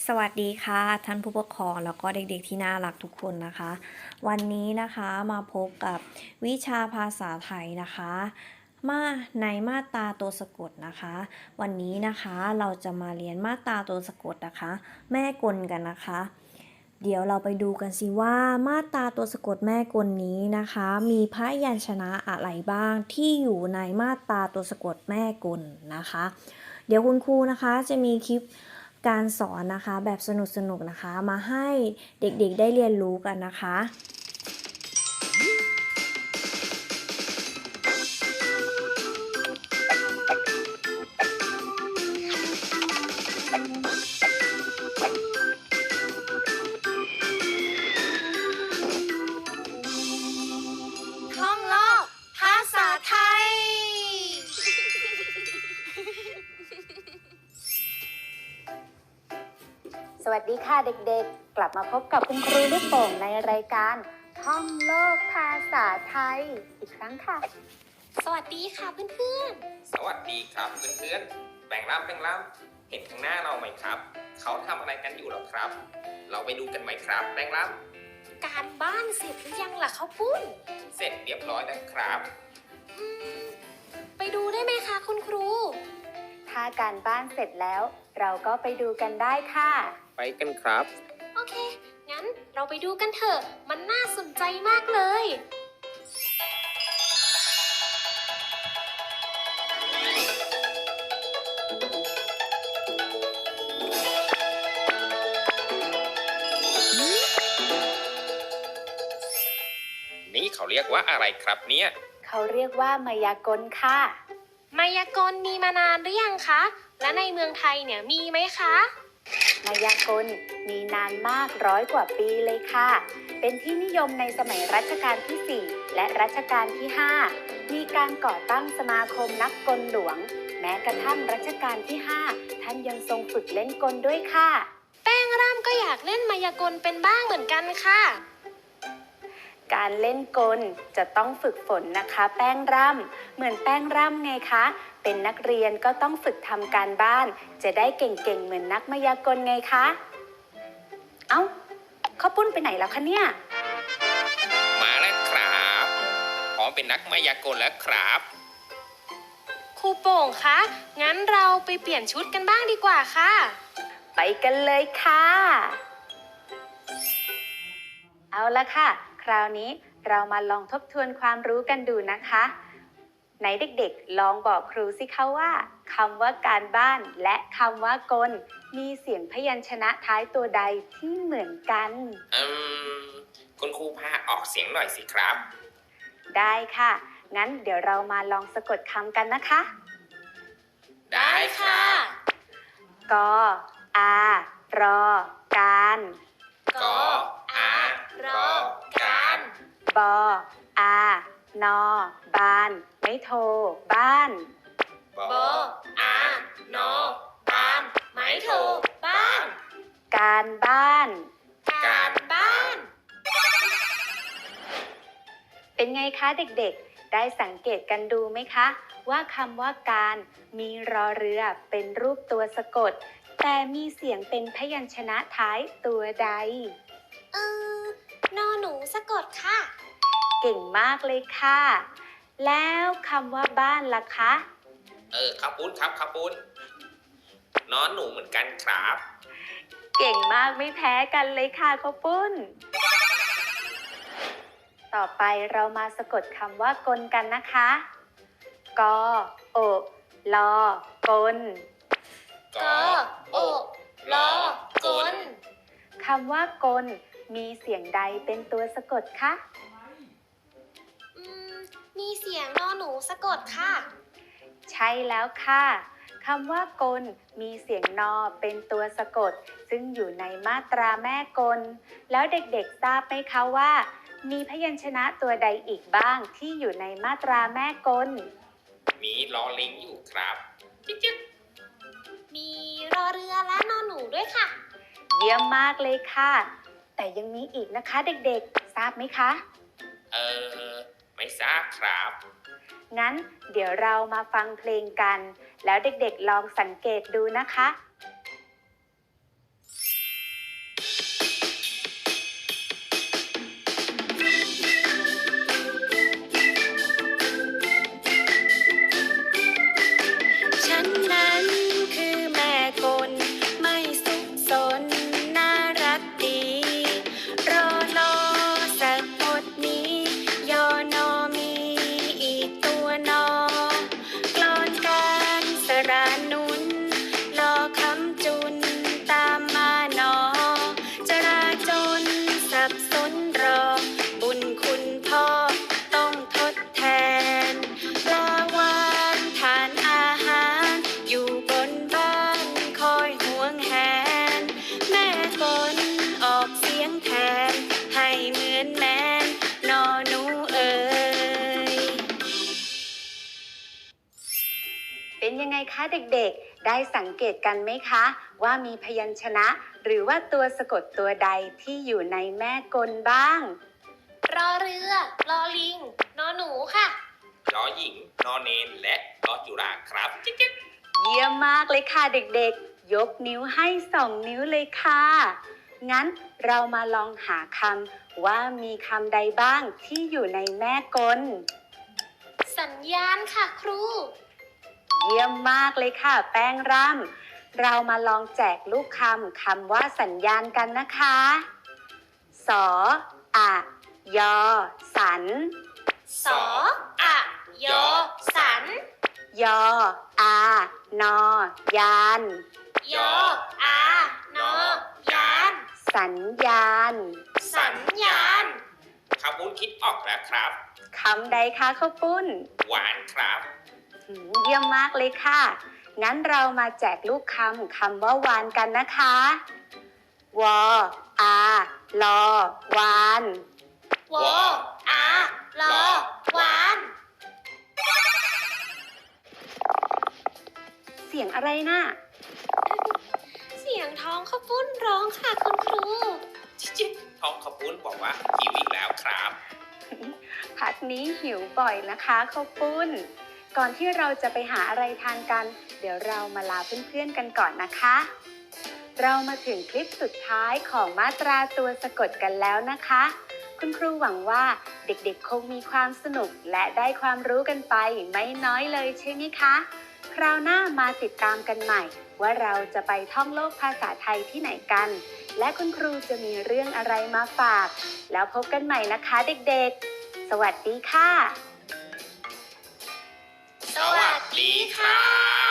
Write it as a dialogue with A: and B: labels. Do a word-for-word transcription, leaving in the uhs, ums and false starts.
A: สวัสดีค่ะท่านผู้ปกครองแล้วก็เด็กๆที่น่ารักทุกคนนะคะวันนี้นะคะมาพบกับวิชาภาษาไทยนะคะมาในมาตราตัวสะกดนะคะวันนี้นะคะเราจะมาเรียนมาตราตัวสะกดนะคะแม่กลกันนะคะเดี๋ยวเราไปดูกันสิว่ามาตราตัวสะกดแม่กลนี้นะคะมีพยัญชนะอะไรบ้างที่อยู่ในมาตราตัวสะกดแม่กลนะคะเดี๋ยวคุณครูนะคะจะมีคลิปการสอนนะคะแบบสนุกๆนะคะมาให้เด็กๆได้เรียนรู้กันนะคะ
B: ท่องโลกภาษาไทย
C: สวัสดีค่ะเด็กๆ กลับมาพบกับคุณครูลูกโป่งในรายการท่องโลกภาษาไทยอีกครั้งค่ะ
B: สวัสดีค่ะเพื่อน
D: สวัสดีครับเพื่อนๆแบ่งรับแบ่งรับเห็นข้างหน้าเราไหมครับเขาทำอะไรกันอยู่หรอครับ เราไปดูกันไหมครับแบ่งรับ
B: ๆ การบ้านเสร็จหรือยังล่ะข้าวปุ้น
D: เสร็จเรียบร้อยแล้วครับ
B: อืมไปดูได้ไหมคะคุณครู
C: ถ้าการบ้านเสร็จแล้ว เราก็ไปดูกันได้ค่ะ
D: ไปกันครับ
B: โอเค งั้นเราไปดูกันเถอะ มันน่าสนใจมากเลย
D: นี่เขาเรียกว่าอะไรครับเนี่ย
C: เขาเรียกว่ามายากลค่ะ
B: มายากลมีมานานหรือยังคะ และในเมืองไทยเนี่ยมีไหมคะ
C: มายากลมีนานมากร้อยกว่าปีเลยค่ะ เป็นที่นิยมในสมัยรัชกาลที่ สี่ และรัชกาลที่ ห้า มีการก่อตั้งสมาคมนักกลหลวง แม้กระทั่งรัชกาลที่ ห้า ท่านยังทรงฝึกเล่นกลด้วยค่ะ
B: แป้งร่ำก็อยากเล่นมายากลเป็นบ้างเหมือนกันค่ะ
C: การเล่นกลจะต้องฝึกฝนนะคะ แป้งร่ำเหมือนแป้งร่ำไงคะ เป็นนักเรียนก็ต้องฝึกทำการบ้าน จะได้เก่งๆเหมือนนักมายากลไงคะ เอ้าข้าวปุ้นไปไหนแล้วคะเนี่ย
D: มาแล้วครับพร้อมเป็นนักมายากลแล้วครับ
B: ครูโป่งคะ งั้นเราไปเปลี่ยนชุดกันบ้างดีกว่าค่ะ
C: ไปกันเลยค่ะ เอาละค่ะ คราวนี้เรามาลองทบทวนความรู้กันดูนะคะไหนเด็กๆลองบอกครูสิคะว่าคำว่าการบ้านและคำว่ากลมีเสียงพยัญชนะท้ายตัวใดที่เหมือนกัน
D: อืมคุณครูพาออกเสียงหน่อยสิครับ
C: ได้ค่ะ งั้นเดี๋ยวเรามาลองสะกดคำกันนะคะ
D: ได้ครับ
C: กอารอการ
D: กออารอการ
C: บออานอบาน ไม่โทรบ้าน
D: บออานอบ้านไม้โทบ้าน
C: การบ้าน
D: การบ้าน
C: เป็นไงคะเด็กๆ ได้สังเกตกันดูไหมคะ ว่าคำว่าการมีรอเรือเป็นรูปตัวสะกด แต่มีเสียงเป็นพยัญชนะท้ายตัวใด
B: เออนอหนูสะกดค่ะ
C: เก่งมากเลยค่ะ แล้วคำว่าบ้านล่ะคะ
D: เออข้าวปุ้นครับข้าวปุ้นนอนหนูเหมือนกันครับ
C: เก่งมากไม่แพ้กันเลยค่ะข้าวปุ้น ต่อไปเรามาสะกดคำว่ากลกันนะคะ กอโอลอกล
B: กอโอลอกล
C: คำว่ากลมีเสียงใดเป็นตัวสะกดคะ
B: อืม มีเสียงนอหนูสะกดค่ะ
C: ใช่แล้วค่ะคำว่ากลมีเสียงนอเป็นตัวสะกด ซึ่งอยู่ในมาตราแม่กล แล้วเด็กๆทราบไหมคะว่า มีพยัญชนะตัวใดอีกบ้างที่อยู่ในมาตราแม่กล
D: มีลอลิงอยู่ครับจิ๊กจิ๊ก
B: มีรอเรือและนอหนูด้วยค่ะ
C: เยี่ยมมากเลยค่ะ แต่ยังมีอีกนะคะเด็กๆ ทราบไหมคะ
D: เออไม่ทราบครับ
C: งั้นเดี๋ยวเรามาฟังเพลงกัน แล้วเด็กๆลองสังเกตดูนะคะคะเด็กๆ ได้สังเกตกันไหมคะว่ามีพยัญชนะ หรือว่าตัวสะกดตัวใดที่อยู่ในแม่กลบ้าง
B: รอเรือ รอลิง นอหนูค่ะ
D: ยอหญิง นอเนน และรอจุฬาครับจิ๊กจิ๊ก
C: เยี่ยมมากเลยค่ะเด็กๆ ยกนิ้วให้สองนิ้วเลยค่ะ งั้นเรามาลองหาคำว่ามีคำใดบ้างที่อยู่ในแม่กล
B: สัญญาณค่ะครู
C: เยี่ยมมากเลยค่ะแป้งร่ำเรามาลองแจกลูกคำคำว่าสัญญาณกันนะคะสออะยอสัน
B: สออะยอสัน
C: ยออานอยาน
B: ยออานอยาน
C: สัญญาณ
B: สัญญาณ
D: ข้าวปุ้นคิดออกแล้วครับ
C: คำใดคะข้าวปุ้น
D: หวานครับ
C: หืมเยี่ยมมากเลยค่ะ งั้นเรามาแจกลูกคำคำว่าวานกันนะคะวออาลอวาน
B: วออาลอวาน
C: เสียงอะไรน่ะ
B: เสียงท้องข้าวปุ้นร้องค่ะคุณครู
D: จิ๊กจิ๊กท้องข้าวปุ้นบอกว่าหิวอีกแล้วครับ
C: พักนี้หิวบ่อยนะคะข้าวปุ้น ก่อนที่เราจะไปหาอะไรทานกัน เดี๋ยวเรามาลาเพื่อนๆกันก่อนนะคะ เรามาถึงคลิปสุดท้ายของมาตราตัวสะกดกันแล้วนะคะ คุณครูหวังว่าเด็กๆคงมีความสนุกและได้ความรู้กันไปไม่น้อยเลยใช่ไหมคะ คราวหน้ามาติดตามกันใหม่ ว่าเราจะไปท่องโลกภาษาไทยที่ไหนกัน และคุณครูจะมีเรื่องอะไรมาฝาก แล้วพบกันใหม่นะคะเด็กๆ สวัสดีค่ะ
B: สวัสดีค่ะ